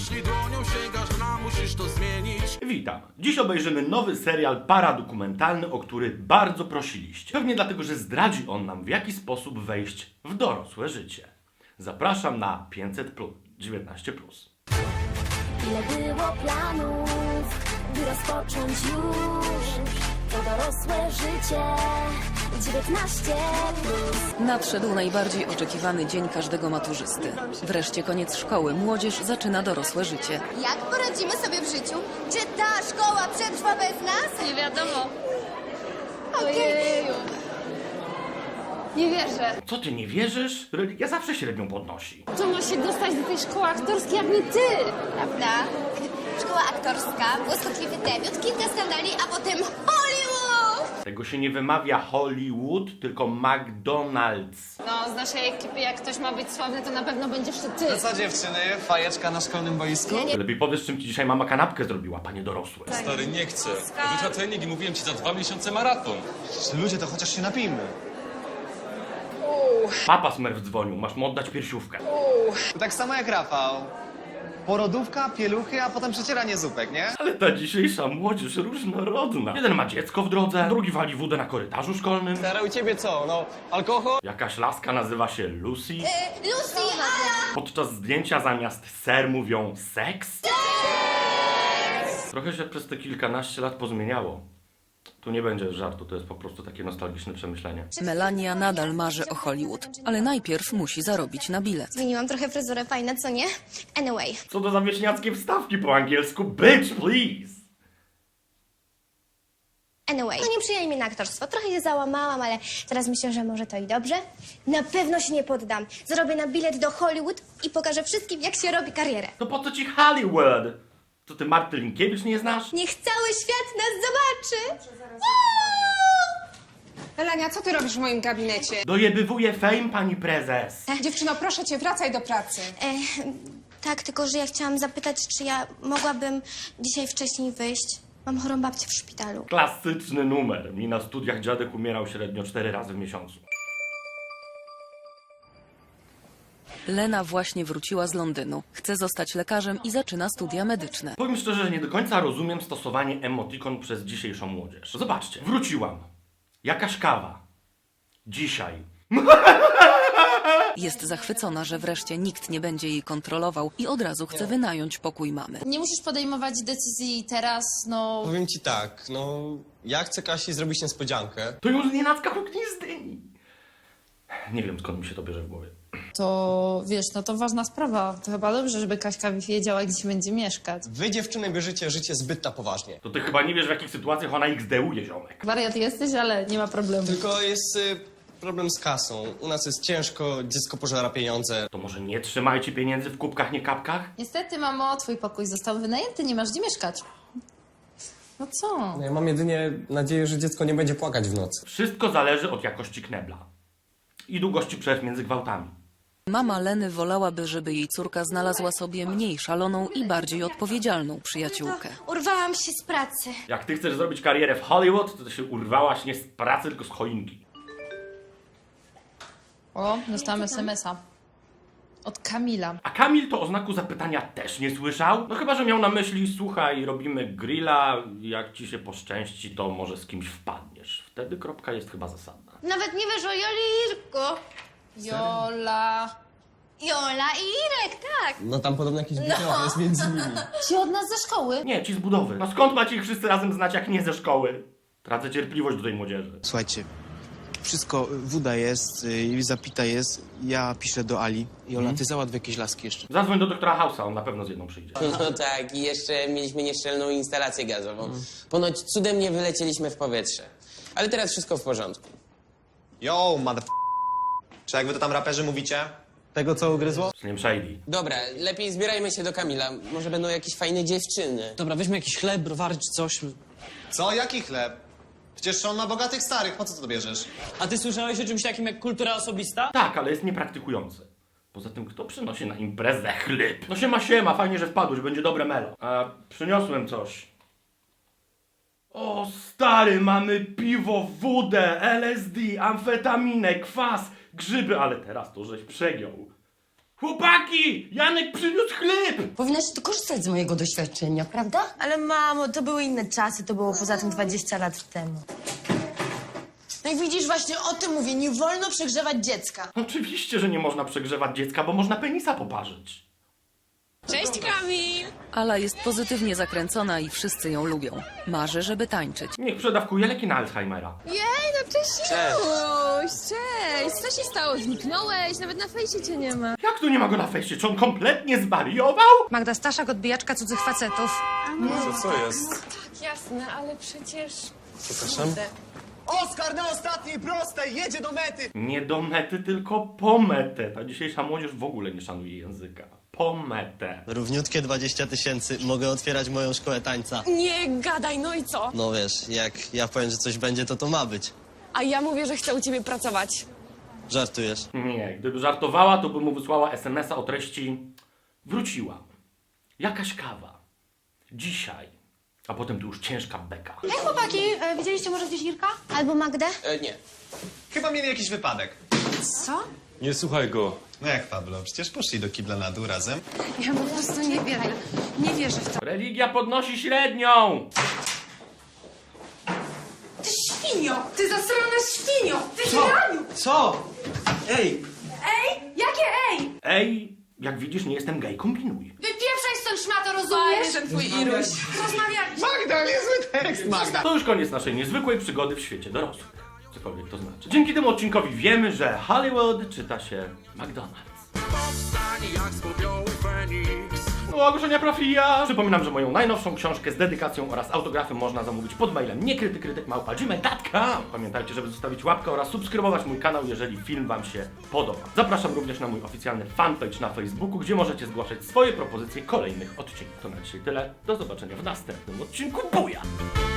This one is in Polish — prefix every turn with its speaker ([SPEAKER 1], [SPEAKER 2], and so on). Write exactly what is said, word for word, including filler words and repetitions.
[SPEAKER 1] Jeśli dłonią sięgasz dna, musisz to zmienić.
[SPEAKER 2] Witam. Dziś obejrzymy nowy serial paradokumentalny, o który bardzo prosiliście. Pewnie dlatego, że zdradzi on nam, w jaki sposób wejść w dorosłe życie. Zapraszam na pięćset plus, dziewiętnaście plus.
[SPEAKER 3] Ile było planów, by rozpocząć już to dorosłe życie. dziewiętnaście plus.
[SPEAKER 4] Nadszedł najbardziej oczekiwany dzień każdego maturzysty. Wreszcie koniec szkoły, młodzież zaczyna dorosłe życie.
[SPEAKER 5] Jak poradzimy sobie w życiu? Czy ta szkoła przetrwa bez nas?
[SPEAKER 6] Nie wiadomo.
[SPEAKER 5] Okej.
[SPEAKER 6] Ojeju. Nie wierzę.
[SPEAKER 2] Co ty nie wierzysz? Religia zawsze średnią podnosi.
[SPEAKER 6] To ma się dostać do tej szkoły aktorskiej jak nie ty.
[SPEAKER 5] Prawda? Szkoła aktorska, błyskotliwy debiut, kilka skandali, a potem Hollywood!
[SPEAKER 2] Tego się nie wymawia Hollywood, tylko McDonald's.
[SPEAKER 6] No, z naszej ekipy jak ktoś ma być sławny, to na pewno będziesz to ty.
[SPEAKER 7] Co dziewczyny? Fajeczka na szkolnym boisku?
[SPEAKER 2] Lepiej powiesz, czym ci dzisiaj mama kanapkę zrobiła, panie dorosłe.
[SPEAKER 8] Stary, nie chcę. Rzucę trening i mówiłem ci za dwa miesiące maraton.
[SPEAKER 7] Ludzie, to chociaż się napijmy.
[SPEAKER 2] Papa Smurf dzwonił, masz mu oddać piersiówkę.
[SPEAKER 7] Tak samo jak Rafał. Porodówka, pieluchy, a potem przecieranie zupek, nie?
[SPEAKER 2] Ale ta dzisiejsza młodzież różnorodna. Jeden ma dziecko w drodze, drugi wali wódę na korytarzu szkolnym.
[SPEAKER 7] Stara, u ciebie co? No, alkohol?
[SPEAKER 2] Jakaś laska nazywa się Lucy.
[SPEAKER 5] Lucy, Ala!
[SPEAKER 2] Podczas zdjęcia zamiast ser mówią seks. Trochę się przez te kilkanaście lat pozmieniało. Tu nie będzie żartu, to jest po prostu takie nostalgiczne przemyślenie.
[SPEAKER 4] Melania nadal marzy o Hollywood, ale najpierw musi zarobić na bilet.
[SPEAKER 5] Zmieniłam trochę fryzurę, fajne, co nie? Anyway.
[SPEAKER 2] Co to za wieśniackie wstawki po angielsku? Bitch, please!
[SPEAKER 5] Anyway. No nie przyjęli mnie na aktorstwo. Trochę się załamałam, ale teraz myślę, że może to i dobrze. Na pewno się nie poddam. Zarobię na bilet do Hollywood i pokażę wszystkim, jak się robi karierę.
[SPEAKER 2] To po co ci Hollywood? Co ty Marty Linkiewicz nie znasz?
[SPEAKER 5] Niech cały świat nas zobaczy!
[SPEAKER 9] Melania, co ty robisz w moim gabinecie?
[SPEAKER 2] Dojebywuje fame, pani prezes.
[SPEAKER 9] Dziewczyno, proszę cię, wracaj do pracy.
[SPEAKER 5] E, tak, tylko że ja chciałam zapytać, czy ja mogłabym dzisiaj wcześniej wyjść. Mam chorą babcię w szpitalu.
[SPEAKER 2] Klasyczny numer. Mi na studiach dziadek umierał średnio cztery razy w miesiącu.
[SPEAKER 4] Lena właśnie wróciła z Londynu. Chce zostać lekarzem i zaczyna studia medyczne.
[SPEAKER 2] Powiem szczerze, że nie do końca rozumiem stosowanie emotikon przez dzisiejszą młodzież. Zobaczcie, wróciłam. Jakaś kawa. Dzisiaj.
[SPEAKER 4] Jest zachwycona, że wreszcie nikt nie będzie jej kontrolował i od razu chce wynająć pokój mamy.
[SPEAKER 6] Nie musisz podejmować decyzji teraz, no...
[SPEAKER 10] Powiem ci tak, no ja chcę Kasi zrobić niespodziankę.
[SPEAKER 2] To ją znienacka huknie z dyni. Nie wiem, skąd mi się to bierze w głowie.
[SPEAKER 6] To, wiesz, no to ważna sprawa. To chyba dobrze, żeby Kaśka wiedziała, gdzie będzie mieszkać.
[SPEAKER 10] Wy dziewczyny bierzecie życie zbyt na poważnie.
[SPEAKER 2] To ty chyba nie wiesz, w jakich sytuacjach ona iks deuje, ziomek.
[SPEAKER 6] Wariat jesteś, ale nie ma problemu.
[SPEAKER 10] Tylko jest y, problem z kasą. U nas jest ciężko, dziecko pożera pieniądze.
[SPEAKER 2] To może nie trzymajcie pieniędzy w kubkach, nie kapkach?
[SPEAKER 6] Niestety, mamo, twój pokój został wynajęty, nie masz gdzie mieszkać. No co?
[SPEAKER 10] No, ja mam jedynie nadzieję, że dziecko nie będzie płakać w nocy.
[SPEAKER 2] Wszystko zależy od jakości knebla. I długości przerw między gwałtami.
[SPEAKER 4] Mama Leny wolałaby, żeby jej córka znalazła sobie mniej szaloną i bardziej odpowiedzialną przyjaciółkę.
[SPEAKER 5] Urwałam się z pracy.
[SPEAKER 2] Jak ty chcesz zrobić karierę w Hollywood, to ty się urwałaś nie z pracy, tylko z choinki.
[SPEAKER 6] O, dostałam es em es a. Od Kamila.
[SPEAKER 2] A Kamil to o znaku zapytania też nie słyszał? No chyba, że miał na myśli, słuchaj, robimy grilla, jak ci się poszczęści, to może z kimś wpadniesz. Wtedy kropka jest chyba zasadna.
[SPEAKER 5] Nawet nie wiesz o Joli i Irku.
[SPEAKER 6] Jola.
[SPEAKER 5] Jola i Irek, tak.
[SPEAKER 10] No tam podobno jakiś no. jest między nimi.
[SPEAKER 6] Ci od nas ze szkoły?
[SPEAKER 2] Nie, ci z budowy. No skąd macie ich wszyscy razem znać, jak nie ze szkoły? Tracę cierpliwość do tej młodzieży.
[SPEAKER 11] Słuchajcie, wszystko, woda jest, y, zapita jest, ja piszę do Ali i Ola, ty załatw jakieś laski jeszcze.
[SPEAKER 2] Zadzwoń do doktora House'a, on na pewno z jedną przyjdzie.
[SPEAKER 12] No tak, i jeszcze mieliśmy nieszczelną instalację gazową. Ponoć cudem nie wylecieliśmy w powietrze. Ale teraz wszystko w porządku.
[SPEAKER 7] Yo, mother... Czy jak wy to tam raperzy mówicie? Tego, co ugryzło?
[SPEAKER 2] Z nim Shady.
[SPEAKER 12] Dobra, lepiej zbierajmy się do Kamila. Może będą jakieś fajne dziewczyny.
[SPEAKER 13] Dobra, weźmy jakiś chleb, browary czy coś.
[SPEAKER 7] Co? Jaki chleb? Przecież on ma bogatych starych, po co to bierzesz?
[SPEAKER 13] A ty słyszałeś o czymś takim jak kultura osobista?
[SPEAKER 2] Tak, ale jest niepraktykujący. Poza tym, kto przynosi na imprezę chleb? No siema, siema, fajnie, że wpadłeś, będzie dobre melo. A przyniosłem coś. O stary, mamy piwo, wódę, el es de, amfetaminę, kwas, grzyby, ale teraz to żeś przegiął. Chłopaki! Janek przyniósł chleb!
[SPEAKER 14] Powinnaś tu korzystać z mojego doświadczenia, prawda? Ale mamo, to były inne czasy, to było poza tym dwadzieścia lat temu. No i widzisz, właśnie o tym mówię, nie wolno przegrzewać dziecka.
[SPEAKER 2] Oczywiście, że nie można przegrzewać dziecka, bo można penisa poparzyć.
[SPEAKER 6] Cześć, Kamil!
[SPEAKER 4] Ala jest pozytywnie zakręcona i wszyscy ją lubią. Marzy, żeby tańczyć.
[SPEAKER 2] Niech przedawkuje leki na Alzheimera.
[SPEAKER 6] Jej, no cześć, Juś! Cześć! Co się stało? Zniknąłeś? Nawet na fejsie cię nie ma.
[SPEAKER 2] Jak tu nie ma go na fejście? Czy on kompletnie zwariował?
[SPEAKER 14] Magda Staszak, odbijaczka cudzych facetów.
[SPEAKER 10] Co, co jest?
[SPEAKER 6] Jasne, ale przecież...
[SPEAKER 10] Przepraszam?
[SPEAKER 7] Oskar na ostatniej prostej, jedzie do mety!
[SPEAKER 2] Nie do mety, tylko po metę. Ta dzisiejsza młodzież w ogóle nie szanuje języka. Po metę.
[SPEAKER 10] Równiutkie dwadzieścia tysięcy. Mogę otwierać moją szkołę tańca.
[SPEAKER 6] Nie gadaj, no i co?
[SPEAKER 10] No wiesz, jak ja powiem, że coś będzie, to to ma być.
[SPEAKER 6] A ja mówię, że chcę u ciebie pracować.
[SPEAKER 10] Żartujesz?
[SPEAKER 2] Nie, gdyby żartowała, to by mu wysłała es em es a o treści wróciłam. Jakaś kawa. Dzisiaj. A potem tu już ciężka beka.
[SPEAKER 5] Hej chłopaki, e, widzieliście może gdzieś Irka? Albo Magdę?
[SPEAKER 12] E, nie.
[SPEAKER 7] Chyba mieli jakiś wypadek.
[SPEAKER 5] Co?
[SPEAKER 8] Nie słuchaj go.
[SPEAKER 7] No jak Pablo, przecież poszli do kibla na dół razem.
[SPEAKER 14] Ja po prostu nie wierzę. Nie wierzę w to.
[SPEAKER 2] Religia podnosi średnią!
[SPEAKER 14] Ty świnio! Ty zasrana świnio! Ty źraniu!
[SPEAKER 11] Co? Ej!
[SPEAKER 14] Ej! Jakie ej?
[SPEAKER 2] Ej, jak widzisz, nie jestem gej, kombinuj.
[SPEAKER 14] Wypieprzaj stąd szmato, rozumiesz?
[SPEAKER 6] Ten twój Iruś.
[SPEAKER 14] Rozmawialiśmy.
[SPEAKER 7] Magda, niezły tekst, Magda!
[SPEAKER 2] To już koniec naszej niezwykłej przygody w świecie dorosłych. Cokolwiek to znaczy. Dzięki temu odcinkowi wiemy, że Hollywood czyta się McDonald's.
[SPEAKER 1] Powstanie jak z popiołu Feniks.
[SPEAKER 2] No, ogłoszenia profila! Przypominam, że moją najnowszą książkę z dedykacją oraz autografem można zamówić pod mailem niekrytykrytyk małpa gmail kropka com. Pamiętajcie, żeby zostawić łapkę oraz subskrybować mój kanał, jeżeli film wam się podoba. Zapraszam również na mój oficjalny fanpage na Facebooku, gdzie możecie zgłaszać swoje propozycje kolejnych odcinków. To na dzisiaj tyle. Do zobaczenia w następnym odcinku. Buja!